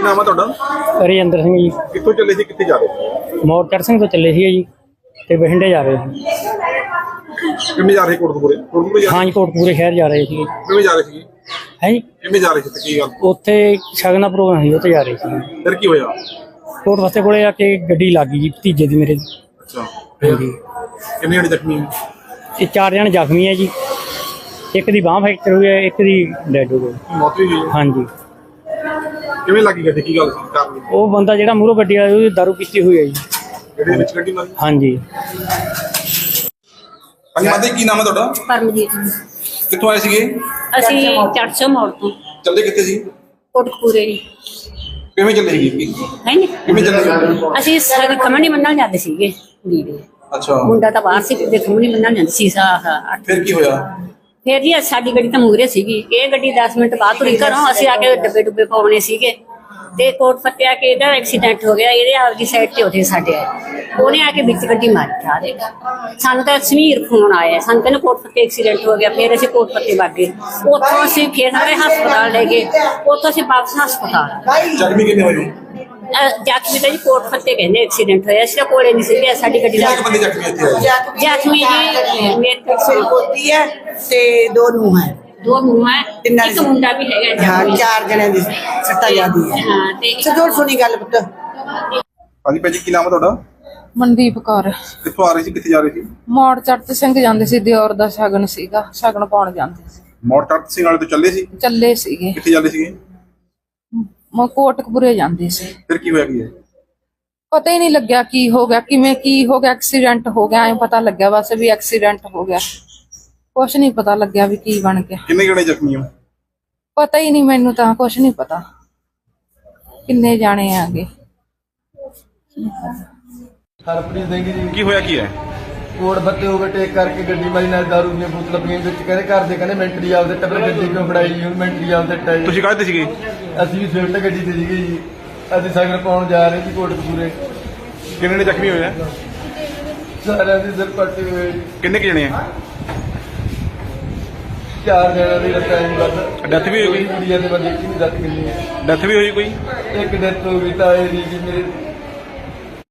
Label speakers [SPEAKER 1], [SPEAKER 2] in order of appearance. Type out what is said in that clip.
[SPEAKER 1] ਕੀ ਨਾਮ ਆ ਤੁਹਾਡਾ?
[SPEAKER 2] ਰਜਿੰਦਰ ਸਿੰਘ ਜੀ।
[SPEAKER 1] ਕਿੱਥੋਂ ਚੱਲੇ ਸੀ, ਕਿੱਥੇ ਜਾ ਰਹੇ ਸੀ?
[SPEAKER 2] ਮੋੜ ਚੜ੍ਹ ਸਿੰਘ ਤੋਂ ਚੱਲੇ ਸੀ ਜੀ ਤੇ ਬਠਿੰਡੇ ਜਾ ਰਹੇ ਸੀ।
[SPEAKER 1] ਕਿਵੇਂ ਜਾ ਰਹੇ ਕੋਟਕਪੂਰੇ? ਕੋਟਕਪੂਰੇ ਜਾ
[SPEAKER 2] ਹਾਂਜੀ, ਕੋਟਕਪੂਰੇ ਸ਼ਹਿਰ ਜਾ ਰਹੇ ਸੀ।
[SPEAKER 1] ਕਿਵੇਂ ਜਾ ਰਹੇ ਸੀ?
[SPEAKER 2] ਹੈ ਜੀ,
[SPEAKER 1] ਕਿਵੇਂ ਜਾ ਰਹੇ ਸੀ ਤੇ ਕੀ ਗੱਲ?
[SPEAKER 2] ਉੱਥੇ ਸ਼ਗਨ ਦਾ ਪ੍ਰੋਗਰਾਮ ਸੀ, ਉੱਥੇ ਜਾ ਰਹੇ ਸੀ।
[SPEAKER 1] ਫਿਰ ਕੀ ਹੋਇਆ?
[SPEAKER 2] ਕੋਟ ਵਸਤੇ ਕੋਲੇ ਆ ਕੇ ਗੱਡੀ ਲੱਗ ਗਈ ਜੀ ਭਤੀਜੇ ਦੀ ਮੇਰੇ।
[SPEAKER 1] ਅੱਛਾ,
[SPEAKER 2] ਹਾਂਜੀ,
[SPEAKER 1] ਕਿੰਨੇ ਜਣੇ ਜ਼ਖਮੀ ਹੋਏ?
[SPEAKER 2] ਇਹ 4 ਜਣੇ ਜ਼ਖਮੀ ਹੈ ਜੀ। ਇੱਕ ਦੀ ਬਾਂਹ ਫ੍ਰੈਕਚਰ ਹੋਈ ਹੈ, ਇੱਕ ਦੀ ਡੈਡ ਹੋ ਗਈ।
[SPEAKER 1] ਮੌਤ ਵੀ ਹੋਈ?
[SPEAKER 2] ਹਾਂਜੀ।
[SPEAKER 1] ਕਿਵੇਂ ਲੱਗੀ ਗੱਡੀ, ਕੀ ਗੱਲ ਸੀ ਕਾਰਨ?
[SPEAKER 2] ਉਹ ਬੰਦਾ ਜਿਹੜਾ ਮੂਹਰੋਂ ਗੱਡੀ ਵਾਲਾ ਉਹਦੀ ਦਾਰੂ ਪੀਤੀ ਹੋਈ ਹੈ ਜੀ।
[SPEAKER 1] ਗੱਡੀ ਵਿੱਚ ਗੱਡੀ ਮਾਰੀ?
[SPEAKER 2] ਹਾਂਜੀ।
[SPEAKER 1] ਹਾਂਜੀ ਮਾਤਾ ਜੀ, ਕੀ ਨਾਮ ਹੈ ਤੁਹਾਡਾ?
[SPEAKER 3] ਪਰਮਜੀਤ।
[SPEAKER 1] ਕਿੱਥੋਂ ਆਏ ਸੀਗੇ?
[SPEAKER 3] ਅਸੀਂ 400 ਮੋੜ ਤੋਂ
[SPEAKER 1] ਚੱਲੇ ਕਿੱਥੇ ਸੀ?
[SPEAKER 3] ਕੋਟਕਪੂਰੇ ਜੀ।
[SPEAKER 1] ਕਿਵੇਂ ਚੱਲੇ ਸੀਗੇ?
[SPEAKER 3] ਹੈ ਨੀ,
[SPEAKER 1] ਕਿਵੇਂ ਚੱਲੇ ਸੀ?
[SPEAKER 3] ਅਸੀਂ ਸਾਰੇ ਖਮਣੀ ਮੰਨਣ ਜਾਂਦੇ ਸੀਗੇ ਜੀ ਦੇ।
[SPEAKER 1] ਅੱਛਾ,
[SPEAKER 3] ਮੁੰਡਾ ਤਾਂ ਬਾਹਰ ਸੀ ਤੇ ਖਮਣੀ ਮੰਨਣ ਜਾਂਦੇ ਸੀ।
[SPEAKER 1] ਫਿਰ ਕੀ ਹੋਇਆ?
[SPEAKER 3] ਫਿਰ ਜੀ ਸਾਡੀ ਗੱਡੀ ਤਾਂ ਮੂਹਰੇ ਸੀਗੀ, ਇਹ ਗੱਡੀ 10 ਮਿੰਟ ਬਾਅਦ ਤੁਰੀ ਘਰੋਂ। ਅਸੀਂ ਆ ਕੇ ਡੱਬੇ ਡੁੱਬੇ ਪਾਉਣੇ ਸੀਗੇ ਤੇ ਕੋਟ ਫੱਟਿਆ ਕਿ ਇਹਦਾ ਐਕਸੀਡੈਂਟ ਹੋ ਗਿਆ। ਇਹਦੇ ਆਪਦੀ ਸਾਈਡ ਤੇ ਉੱਥੇ ਸਾਡੇ ਆਏ, ਉਹਨੇ ਆ ਕੇ ਵਿੱਚ ਗੱਡੀ ਮਾਰੀ ਠਾ ਦੇ। ਸਾਨੂੰ ਤਾਂ ਸਮੀਰ ਫੋਨ ਆਇਆ, ਸਾਨੂੰ ਕਹਿੰਦੇ ਕੋਟ ਫੱਤੇ ਐਕਸੀਡੈਂਟ ਹੋ ਗਿਆ। ਫਿਰ ਅਸੀਂ ਕੋਟ ਫੱਤੇ ਵਗ ਗਏ, ਉੱਥੋਂ ਅਸੀਂ ਫਿਰ ਸਾਰੇ ਹਸਪਤਾਲ ਲੈ ਗਏ, ਉੱਥੋਂ ਅਸੀਂ ਵਾਪਸ ਹਸਪਤਾਲ।
[SPEAKER 1] ਜ਼ਖਮੀ ਕਿੰਨੇ ਹੋਏ?
[SPEAKER 3] ਜ਼ਖਮੀ ਤਾਂ ਜੀ ਕੋਟ ਫੱਤੇ ਕਹਿੰਦੇ ਐਕਸੀਡੈਂਟ ਹੋਇਆ। ਅਸੀਂ ਤਾਂ ਕੋਲੇ ਨਹੀਂ ਸੀਗੇ, ਸਾਡੀ ਗੱਡੀ
[SPEAKER 1] ਕਿੰਨੇ ਕੁ ਬੰਦੇ ਜ਼ਖਮੀ ਇੱਥੇ ਆਏ?
[SPEAKER 3] ਜ਼ਖਮੀ ਜੀ ਮੇਰੇ
[SPEAKER 4] ਸਿਰ ਪੋਤੀ ਹੈ ਤੇ 2 ਨੂੰਹ ਹੈ।
[SPEAKER 3] 2 ਨੂੰਹ ਹੈ, ਇੱਕ ਮੁੰਡਾ ਵੀ ਹੈਗਾ।
[SPEAKER 4] ਹਾਂ, 4 ਜਣਿਆਂ ਦੀ ਸੱਤਾ ਜਾਂਦੀ ਹੈ।
[SPEAKER 3] ਹਾਂ ਤੇ
[SPEAKER 4] ਸਜੋੜ ਸੁਣੀ ਗੱਲ ਪੁੱਤ।
[SPEAKER 1] ਹਾਂਜੀ ਭਾਜੀ, ਕੀ ਨਾਮ ਹੈ ਤੁਹਾਡਾ?
[SPEAKER 5] ਮਨਦੀਪ ਕੌਰ।
[SPEAKER 1] ਕਿੱਥੋਂ ਆ ਰਹੇ ਸੀ, ਕਿੱਥੇ ਜਾ ਰਹੇ ਸੀ?
[SPEAKER 5] ਮੋੜ ਚੜ੍ਹ ਸਿੰਘ ਜਾਂਦੇ ਸੀ, ਦਿਓਰ ਦਾ ਸ਼ਗਨ ਸੀਗਾ, ਸ਼ਗਨ ਪਾਉਣ ਜਾਂਦੇ ਸੀ।
[SPEAKER 1] ਮੋੜ ਚੜ੍ਹ ਸਿੰਘ ਵਾਲੇ ਤੋਂ ਚੱਲੇ ਸੀ?
[SPEAKER 5] ਚੱਲੇ ਸੀਗੇ,
[SPEAKER 1] ਕਿੱਥੇ ਜਾਂਦੇ ਸੀਗੇ?
[SPEAKER 5] ਕੋਟਕਪੂਰੇ ਜਾਂਦੇ ਸੀ।
[SPEAKER 1] ਫਿਰ ਕੀ ਹੋਇਆ? ਕੀ ਹੈ
[SPEAKER 5] ਪਤਾ ਹੀ ਨਹੀਂ ਲੱਗਿਆ ਕੀ ਹੋ ਗਿਆ, ਕਿਵੇਂ ਕੀ ਹੋ ਗਿਆ। ਐਕਸੀਡੈਂਟ ਹੋ ਗਿਆ, ਐਂ ਪਤਾ ਲੱਗਿਆ ਬਸ ਵੀ ਐਕਸੀਡੈਂਟ ਹੋ ਗਿਆ। ਕੁਛ ਨਹੀਂ ਪਤਾ ਲੱਗਿਆ ਵੀ ਕੀ ਬਣ ਗਿਆ।
[SPEAKER 1] ਕਿੰਨੇ ਜਣੇ ਜ਼ਖਮੀ ਹੋ?
[SPEAKER 5] ਪਤਾ ਹੀ ਨਹੀਂ, ਮੈਨੂੰ ਤਾਂ ਕੁਛ ਨਹੀਂ ਪਤਾ ਕਿੰਨੇ ਜਾਣੇ ਆਗੇ।
[SPEAKER 6] ਹਰਪ੍ਰੀਤ ਸਿੰਘ ਜੀ।
[SPEAKER 1] ਕੀ ਹੋਇਆ? ਕੀ ਹੈ?
[SPEAKER 6] ਕੋਟ ਬੱਤੇ ਓਵਰਟੇਕ ਕਰਕੇ ਗੱਡੀ ਮਾਰੀ, ਨਾਲ ਦਾਰੂ ਦੀਆਂ ਬੋਤਲਾਂ ਪਈਆਂ ਵਿੱਚ। ਕਹਿੰਦੇ ਘਰ ਦੇ ਕਹਿੰਦੇ ਮੈਂਟਰੀ ਆਪਦੇ ਟੱਬਰ ਗੱਡੀ ਕਿਉਂ ਫੜਾਈ? ਹੁਣ ਮੈਂਟਰੀ ਆਪਦੇ ਟਾਈ।
[SPEAKER 1] ਤੁਸੀਂ ਕਾਹਦੇ ਤੇ ਸੀਗੇ?
[SPEAKER 6] ਅਸੀਂ ਵੀ ਸਵਿਫਟ ਗੱਡੀ ਤੇ ਸੀਗੇ ਜੀ। ਅਸੀਂ ਸ਼ਗਨ ਪਾਉਣ ਜਾ ਰਹੇ ਸੀ ਕੋਟਕਪੂਰੇ।
[SPEAKER 1] ਕਿੰਨੇ ਨੇ ਜ਼ਖਮੀ ਹੋਏ ਆ?
[SPEAKER 6] ਸਾਰਿਆਂ ਦੇ ਸਿਰ ਪੱਟੇ ਹੋਏ ਜੀ।
[SPEAKER 1] ਕਿੰਨੇ ਕੁ ਜਣੇ ਆ?
[SPEAKER 6] 4 ਜਣਿਆਂ ਦੀ ਟਾਈਮ ਵੱਧ।
[SPEAKER 1] ਡੈਥ ਵੀ ਹੋ ਗਈ?
[SPEAKER 6] ਕੁੜੀਆਂ ਦੇ ਬੰਦੇ ਕੀ ਨਹੀਂ ਦੱਸ ਕਿੰਨੀ ਹੈ।
[SPEAKER 1] ਡੈਥ ਵੀ ਹੋਈ ਕੋਈ?
[SPEAKER 6] ਇੱਕ ਡੈਥ ਹੋ ਗਈ ਤਾਂ ਇਹ ਜੀ ਮੇਰੇ